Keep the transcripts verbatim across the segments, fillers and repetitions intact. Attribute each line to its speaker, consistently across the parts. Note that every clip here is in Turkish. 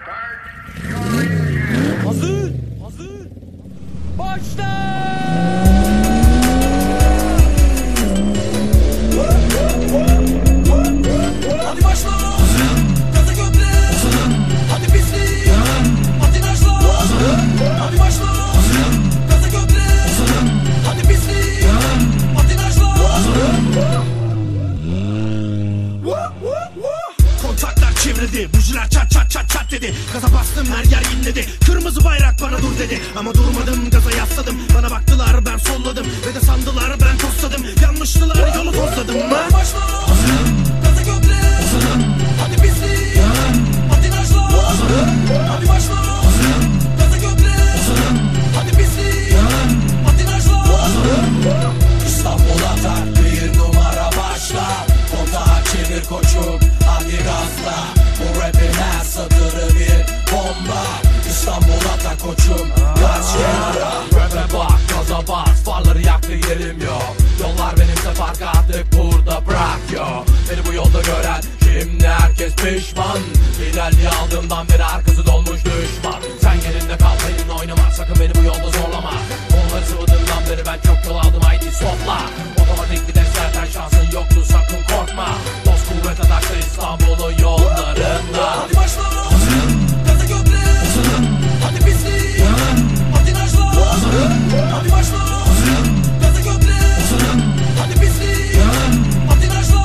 Speaker 1: Hazır, hazır. Başla! Hadi başla! Gaza gömle! Hadi pislik! Patinajla! Hadi başla! Gaza gömle! Hadi pislik! Patinajla! Kontaklar çevrildi, bujiler çat çat çat çat dedi. Gaza bastım, her yer inledi. Kırmızı bayrak bana dur dedi. Ama durmadım, gaza yasladım. Bana baktılar, ben solladım. Ve de sandılar, ben tosladım. Yanlıştılar, yolu tozladım. Ben başla! Gaza gömle! Hadi pislik! Patinajla! Hadi başla! Gaza gömle! Hadi pislik! Patinajla! İstanbul'a tak, bir numara başla. Kontağı çevir koçum, hadi gazla. Bu rapin her satırı bir bomba. İstanbul'a tak koçum, kaç kenara. Rap'e bak, gaza bas, farları yaktı yerim yok. Yollar benimse fark attık burada bırak yo. Beni bu yolda gören şimdi herkes pişman. Liderliği aldığımdan beri arkası dolmuş düşman. Sen yerinde kal, benimle oynama, sakın beni bu yolda zorlama. Onları sıvadığımdan beri ben çok yol aldım, haydi stopla. Otomatik vites zaten şansın yoktu, sakın korkma. Dost kuvvet atakta İstanbul'un yollarında. Hadi başla! Gaza gömle! Hadi pislik! Patinajla! Hadi başla! Gaza gömle! Hadi pislik! Patinajla!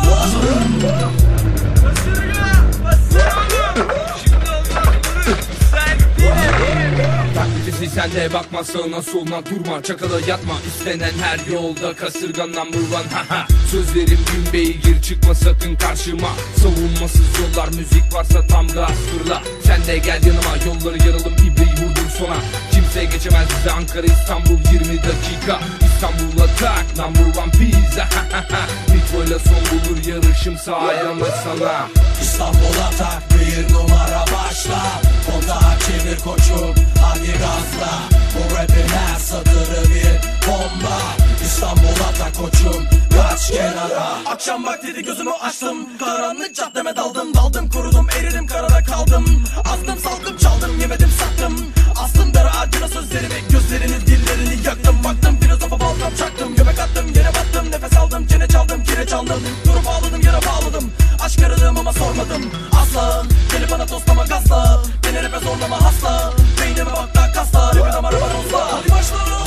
Speaker 2: Taklitisi sen de bakma, sağına soluna durma, çakala yatma. İstenen her yolda kasırgan number one. Haha. Sözlerim gün beygir, çıkma sakın karşıma. Savunmasız yollar, müzik varsa tam gaz fırla. Sen de gel yanıma, yolları yaralım, ibreyi vurdum sona. Kimse geçemez bize, Ankara İstanbul yirmi dakika. İstanbul'a tak, number one pizza. Nitro'yla son bulur yarışım, sağ sana.
Speaker 1: İstanbul'a tak, bir numara başla. Kontağı çevir koçum, hadi gazla. Bu rapin her satırı bir bomba. İstanbul'a tak koçum, kaç kenara. Akşam vaktiydi, gözümü açtım. Karanlık caddeme daldım, daldım kurudum, eridim karada kaldım. Astım saldım çaldım, yemedim sattım. Astım dara ağacına sözlerimi, gözlerini dillerini yaktım. Baktım filozofa baltam çaktım, göbek attım yere battım. Nefes aldım, çene çaldım, kireç aldım. Durup ağladım, yara bağladım. Aşk aradım ama sormadım asla. Gelip bana tostlama gazla, beni rap'e zorlama hasta. Beynime bak da kasla, rap'e damara var olsa. Hadi başla!